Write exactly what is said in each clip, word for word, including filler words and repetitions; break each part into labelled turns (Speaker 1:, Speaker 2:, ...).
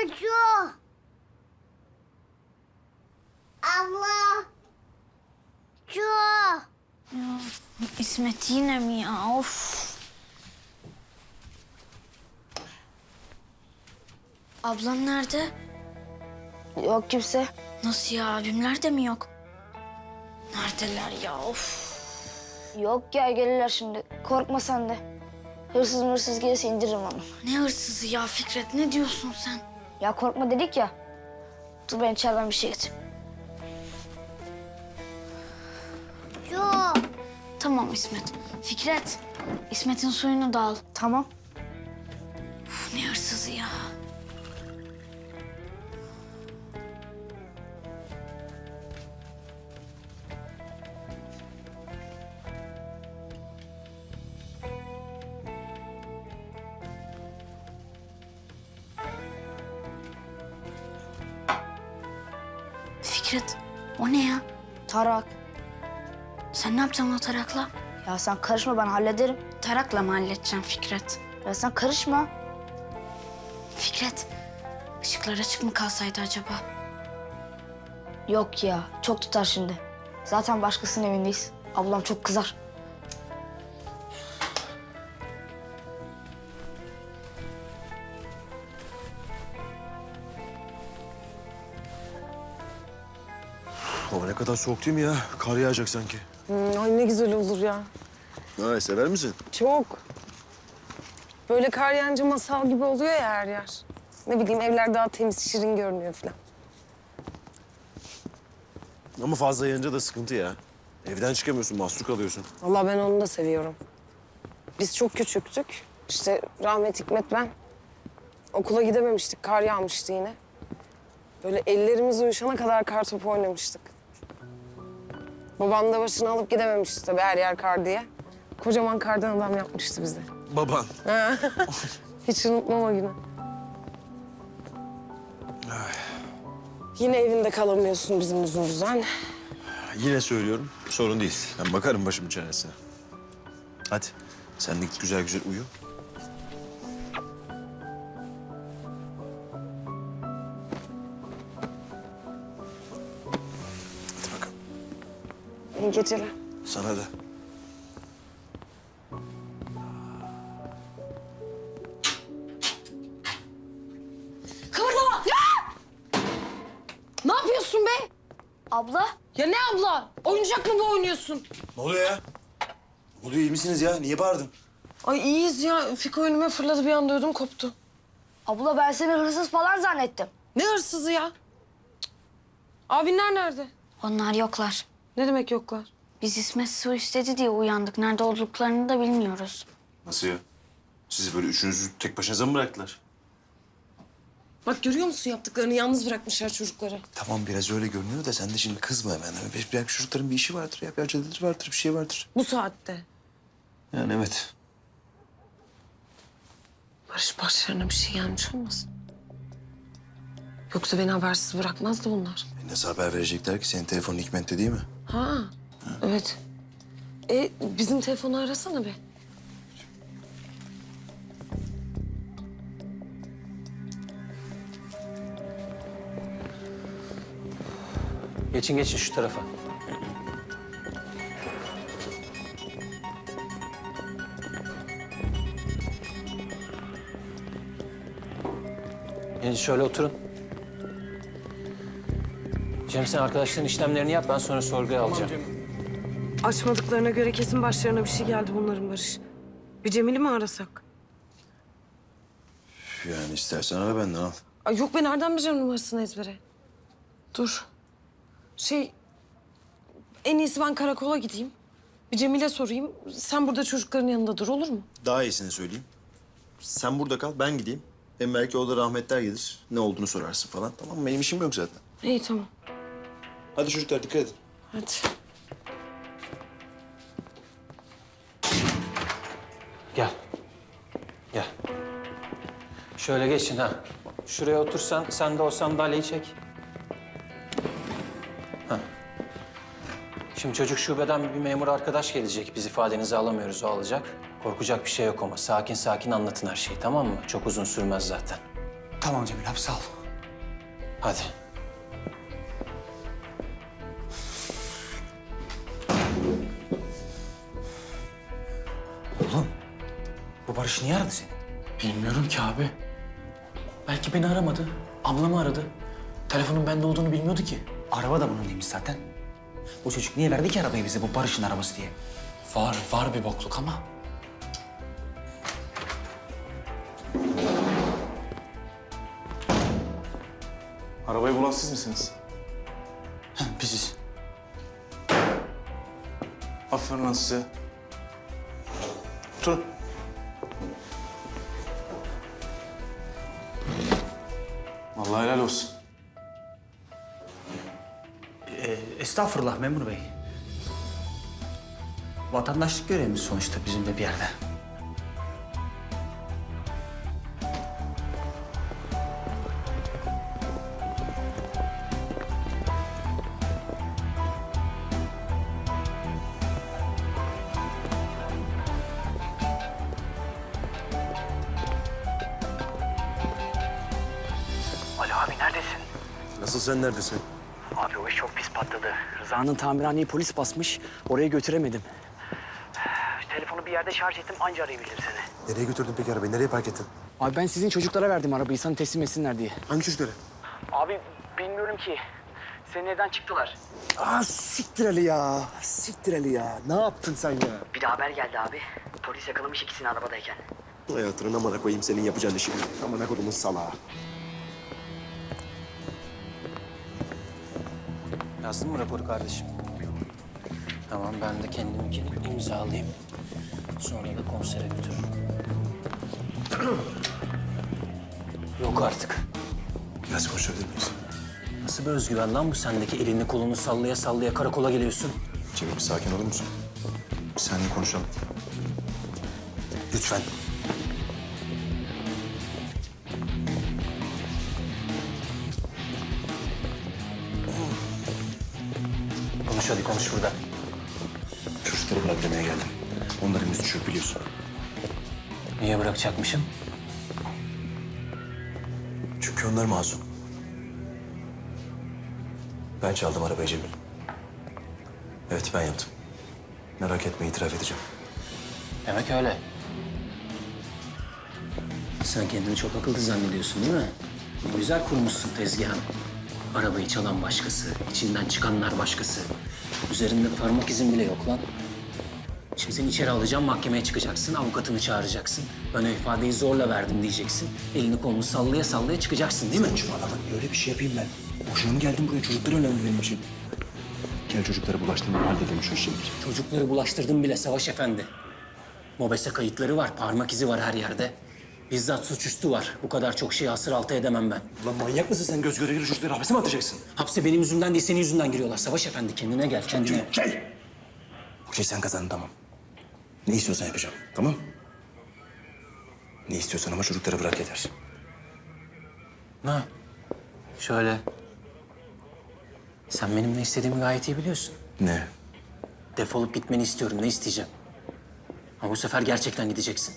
Speaker 1: Çocuğu. Abla. Çocuğu.
Speaker 2: Ya, İsmet yine mi ya? Of. Ablam nerede?
Speaker 3: Yok kimse.
Speaker 2: Nasıl ya? Abimler de mi yok? Neredeler ya? Of.
Speaker 3: Yok ya gelirler şimdi. Korkma sen de. Hırsız mırsız gelirse indiririm onu.
Speaker 2: Ne hırsızı ya Fikret? Ne diyorsun sen?
Speaker 3: Ya korkma dedik ya. Dur ben içeriden bir şey getireyim.
Speaker 1: Çocuğu.
Speaker 2: Tamam İsmet. Fikret, İsmet'in suyunu da al.
Speaker 3: Tamam.
Speaker 2: Uf, ne hırsızı ya? Fikret, o ne ya?
Speaker 3: Tarak.
Speaker 2: Sen ne yapacaksın o tarakla?
Speaker 3: Ya sen karışma ben hallederim.
Speaker 2: Tarakla mı halledeceğim Fikret?
Speaker 3: Ya sen karışma.
Speaker 2: Fikret, ışıklar açık mı kalsaydı acaba?
Speaker 3: Yok ya çok tutar şimdi. Zaten başkasının evindeyiz. Ablam çok kızar.
Speaker 4: Hava ne kadar soğuk değil mi ya? Kar yağacak sanki.
Speaker 5: Hmm, ay ne güzel olur ya.
Speaker 4: Ha, sever misin?
Speaker 5: Çok. Böyle kar yağınca masal gibi oluyor ya her yer. Ne bileyim evler daha temiz, şirin görünüyor falan.
Speaker 4: Ama fazla yağınca da sıkıntı ya. Evden çıkamıyorsun, mahsur kalıyorsun.
Speaker 5: Vallahi ben onu da seviyorum. Biz çok küçüktük. İşte rahmet Hikmet ben. Okula gidememiştik, kar yağmıştı yine. Böyle ellerimiz uyuşana kadar kar topu oynamıştık. Babam da başını alıp gidememişti tabii her yer kar diye. Kocaman kardan adam yapmıştı bize.
Speaker 4: Baban.
Speaker 5: Hiç unutmam o günü. Yine evinde kalamıyorsun bizim yüzümüzden.
Speaker 4: Yine söylüyorum, sorun değil. Ben bakarım başımın çaresine. Hadi, sen de git güzel güzel uyu. Hadi bakalım.
Speaker 5: İyi geceler.
Speaker 4: Sana da.
Speaker 5: Kıvırlama! Ya! Ne yapıyorsun be?
Speaker 3: Abla.
Speaker 5: Ya ne abla? Oyuncak mı bu oynuyorsun?
Speaker 4: Ne oluyor ya? Ne oluyor, iyi misiniz ya? Niye bağırdın?
Speaker 5: Ay iyiyiz ya. Fiko önüme fırladı bir anda ödüm koptu.
Speaker 3: Abla ben seni hırsız falan zannettim.
Speaker 5: Ne hırsızı ya? Cık. Abinler nerede?
Speaker 2: Onlar yoklar.
Speaker 5: Ne demek yoklar?
Speaker 2: Biz İsmet su istedi diye uyandık. Nerede olduklarını da bilmiyoruz.
Speaker 4: Nasıl ya? Sizi böyle üçünüzü tek başınıza mı bıraktılar?
Speaker 5: Bak görüyor musun yaptıklarını? Yalnız bırakmışlar çocukları.
Speaker 4: Tamam biraz öyle görünüyor da sen de şimdi kızma hemen. Belki çocukların bir işi vardır ya, bir aceleleri vardır, bir şey vardır.
Speaker 5: Bu saatte.
Speaker 4: Yani evet.
Speaker 5: Barış başlarına bir şey gelmiş olmasın? Yoksa beni habersiz bırakmazdı bunlar.
Speaker 4: E nasıl haber verecekler ki? Senin telefonun Hikmet'te değil mi?
Speaker 5: Ha, evet. E bizim telefonu arasana be.
Speaker 6: Geçin geçin şu tarafa. Gelin şöyle oturun. Cem sen arkadaşların işlemlerini yap, ben sonra sorguya alacağım.
Speaker 5: Açmadıklarına göre kesin başlarına bir şey geldi bunların Barış. Bir Cemil'i mi arasak?
Speaker 4: Yani istersen ara benden al.
Speaker 5: Ay yok ben nereden bileceğim numarasını ezbere? Dur. Şey... En iyisi ben karakola gideyim. Bir Cemil'e sorayım. Sen burada çocukların yanında dur olur mu?
Speaker 4: Daha iyisini söyleyeyim. Sen burada kal, ben gideyim. Hem belki o da rahmetler gelir. Ne olduğunu sorarsın falan. Tamam mı? Benim işim yok zaten.
Speaker 5: İyi tamam.
Speaker 4: Hadi çocuklar dikkat edin.
Speaker 5: Hadi.
Speaker 6: Gel. Gel. Şöyle geçin ha. Şuraya otursan, sen de o sandalyeyi çek. Ha. Şimdi çocuk şubeden bir memur arkadaş gelecek. Biz ifadenizi alamıyoruz, o alacak. Korkacak bir şey yok ama sakin sakin anlatın her şeyi, tamam mı? Çok uzun sürmez zaten.
Speaker 7: Tamam Cemil abi sağ ol.
Speaker 6: Hadi.
Speaker 7: Oğlum bu Barış niye aradı seni?
Speaker 8: Bilmiyorum ki abi. Belki beni aramadı. Ablamı aradı. Telefonun bende olduğunu bilmiyordu ki.
Speaker 7: Araba da bunun değilmiş zaten. Bu çocuk niye verdi ki arabayı bize bu Barış'ın arabası diye?
Speaker 8: Var, var bir bokluk ama.
Speaker 4: Arabayı bulan siz misiniz?
Speaker 8: Heh, biziz.
Speaker 4: Aferin lan size. Oturun. Vallahi helal olsun.
Speaker 7: Ee, estağfurullah memur bey. Vatandaşlık görevimiz sonuçta bizim de bir yerde.
Speaker 9: Alo abi neredesin?
Speaker 4: Nasıl, sen neredesin?
Speaker 9: Abi o iş çok pis patladı.
Speaker 8: Rıza'nın tamirhaneyi polis basmış. Oraya götüremedim.
Speaker 9: Telefonu bir yerde şarj ettim anca arayabilirim seni.
Speaker 4: Nereye götürdün peki arabayı? Nereye park ettin?
Speaker 8: Abi ben sizin çocuklara verdim arabayı sana teslim etsinler diye.
Speaker 4: Hangi çocukları?
Speaker 9: Abi bilmiyorum ki. Senin evden çıktılar.
Speaker 10: Aa siktir Ali ya. Siktir Ali ya. Ne yaptın sen ya?
Speaker 9: Bir de haber geldi abi. Polis yakalamış ikisini arabadayken.
Speaker 4: Hayatını amına koyayım senin yapacağın işi. Amına kodumun salağı.
Speaker 6: Yazdın mı raporu kardeşim? Tamam, ben de kendiminkini imzalayayım. Sonra da konsere götürürüm. Yok artık.
Speaker 4: Biraz konuşabilir miyiz?
Speaker 6: Nasıl bir özgüven lan bu sendeki? Elini kolunu sallaya sallaya karakola geliyorsun.
Speaker 4: Cemil bir sakin olur musun? Bir saniye konuşalım. Lütfen.
Speaker 6: Konuş hadi, konuş burada.
Speaker 4: Çocukları bırak demeye geldim. Onların yüzü çürük biliyorsun.
Speaker 6: Niye bırakacakmışım?
Speaker 4: Çünkü onlar masum. Ben çaldım arabayı Cemil. Evet, ben yaptım. Merak etme, itiraf edeceğim.
Speaker 6: Demek öyle. Sen kendini çok akıllı zannediyorsun değil mi? Ne güzel kurmuşsun tezgahını. Arabayı çalan başkası, içinden çıkanlar başkası. Üzerinde parmak izin bile yok lan. Şimdi seni içeri alacağım, mahkemeye çıkacaksın, avukatını çağıracaksın. Ön ifadeyi zorla verdim diyeceksin. Elini kolunu sallaya sallaya çıkacaksın değil mi?
Speaker 10: Saçmalama. Öyle bir şey yapayım ben. Boşuna mı geldim buraya? Çocuklar önemli benim için.
Speaker 4: Gel çocukları bulaştırma, halledelim şu işi.
Speaker 6: Çocukları bulaştırdım bile Savaş Efendi. Mobese kayıtları var, parmak izi var her yerde. Bizzat suçüstü var. Bu kadar çok şeyi asır altı edemem ben.
Speaker 10: Ulan manyak mısın sen? Göz göre göre çocukları hapse mi atacaksın?
Speaker 6: Hapse benim yüzümden değil, senin yüzünden giriyorlar. Savaş Efendi, kendine gel, kendine.
Speaker 10: Şey! Okey, sen kazandın, tamam. Ne istiyorsan yapacağım, tamam? Ne istiyorsan ama çocukları bırak yeter.
Speaker 6: Ha, şöyle. Sen benim ne istediğimi gayet iyi biliyorsun.
Speaker 4: Ne?
Speaker 6: Defolup gitmeni istiyorum, ne isteyeceğim. Ama bu sefer gerçekten gideceksin.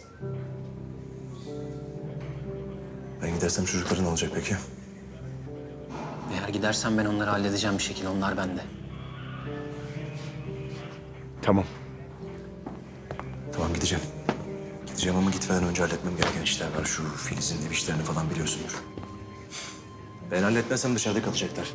Speaker 4: Ben gidersem çocukların ne olacak peki?
Speaker 6: Eğer gidersen ben onları halledeceğim bir şekilde, onlar bende.
Speaker 4: Tamam. Tamam, gideceğim. Gideceğim ama gitmeden önce halletmem gereken işler var. Şu Filiz'in ev işlerini falan biliyorsundur. Ben halletmezsem dışarıda kalacaklar.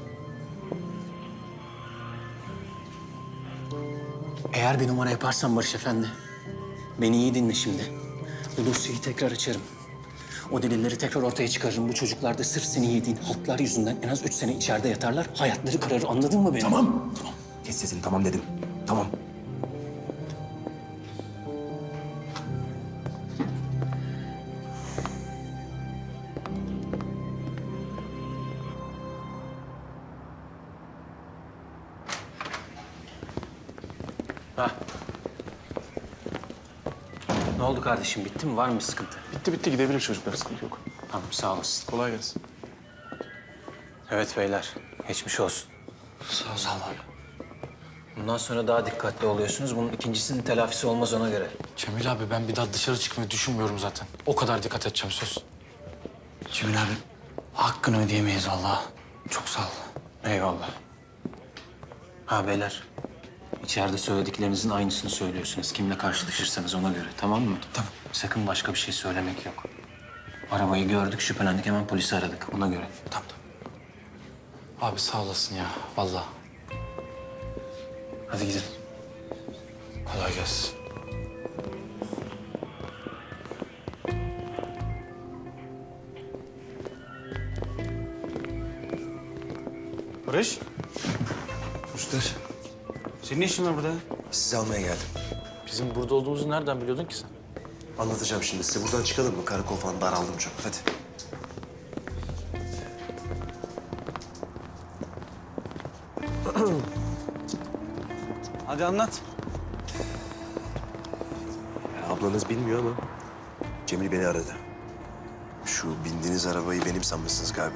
Speaker 6: Eğer bir numara yaparsan Barış Efendi, beni iyi dinle şimdi. Bu dosyayı tekrar açarım. O delilleri tekrar ortaya çıkarırım. Bu çocuklar da sırf seni yediğin haltlar yüzünden en az üç sene içeride yatarlar. Hayatları kararır, anladın mı beni?
Speaker 10: Tamam, tamam. Kes sesini, tamam dedim. Tamam.
Speaker 6: Ha. Ne oldu kardeşim, bitti mi? Var mı sıkıntı?
Speaker 4: Bitti bitti, gidebilir çocuklar, sıkıntı yok.
Speaker 6: Tamam, sağ olasın.
Speaker 4: Kolay gelsin.
Speaker 6: Evet beyler, geçmiş olsun.
Speaker 8: Sağ ol, sağ ol abi.
Speaker 6: Bundan sonra daha dikkatli oluyorsunuz. Bunun ikincisinin telafisi olmaz ona göre.
Speaker 8: Cemil abi ben bir daha dışarı çıkmayı düşünmüyorum zaten. O kadar dikkat edeceğim söz.
Speaker 10: Cemil abi,
Speaker 8: Hakkını ödeyemeyiz vallahi. Çok sağ ol.
Speaker 6: Eyvallah. Ha beyler. İçeride söylediklerinizin aynısını söylüyorsunuz. Kimle karşılaşırsanız ona göre, tamam mı?
Speaker 8: Tamam.
Speaker 6: Sakın başka bir şey söylemek yok. Arabayı gördük, şüphelendik, hemen polisi aradık. Ona göre.
Speaker 8: Tamam tamam. Abi sağ olasın ya vallahi.
Speaker 6: Hadi gidelim.
Speaker 8: Kolay gelsin.
Speaker 7: Barış,
Speaker 10: Müşter,
Speaker 7: senin ne işin var burada?
Speaker 10: sizi almaya geldim.
Speaker 8: Bizim burada olduğumuzu nereden biliyordun ki sen?
Speaker 10: Anlatacağım şimdi size. Buradan çıkalım mı? Karakol falan daraldım çok. Hadi.
Speaker 7: Hadi anlat.
Speaker 10: Ya, ablanız bilmiyor ama Cemil beni aradı. Şu bindiğiniz arabayı benim sanmışsınız galiba.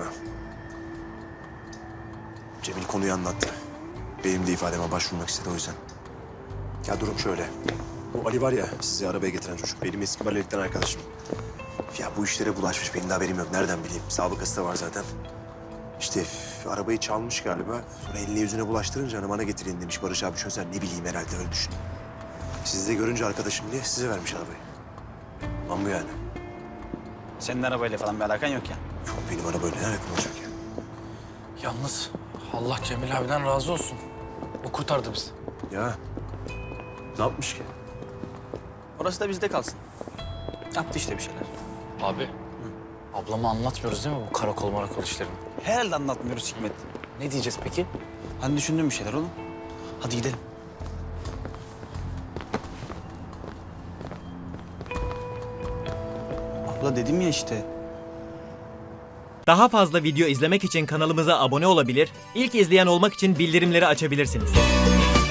Speaker 10: Cemil konuyu anlattı. Benim de ifademe başvurmak istedi o yüzden. Ya durum şöyle. Bu Ali var ya sizi arabaya getiren çocuk. Benim eski valilikten arkadaşım. Ya bu işlere bulaşmış. Benim de haberim yok. Nereden bileyim? Sabıkası da var zaten. İşte üf, arabayı çalmış galiba. Sonra eline yüzüne bulaştırınca hani bana getirin demiş. Barış abi çözer. Ne bileyim herhalde öyle düşün. Sizi de görünce arkadaşım diye size vermiş arabayı. Lan bu yani.
Speaker 7: Senin arabayla falan bir alakan yok ya.
Speaker 10: Yok benim arabayla ne alakam olacak ya?
Speaker 8: Yalnız Allah Cemil abiden razı olsun. O kurtardı bizi.
Speaker 10: Ya ne yapmış ki?
Speaker 7: Orası da bizde kalsın. Yaptı işte bir şeyler.
Speaker 8: Abi. Ablama anlatmıyoruz değil mi bu karakol marakol işlerini?
Speaker 7: Herhalde anlatmıyoruz Hikmet.
Speaker 8: Ne diyeceğiz peki?
Speaker 7: Hani düşündüğüm bir şeyler oğlum. Hadi gidelim. Abla dedim ya işte.
Speaker 11: Daha fazla video izlemek için kanalımıza abone olabilir, ilk izleyen olmak için bildirimleri açabilirsiniz.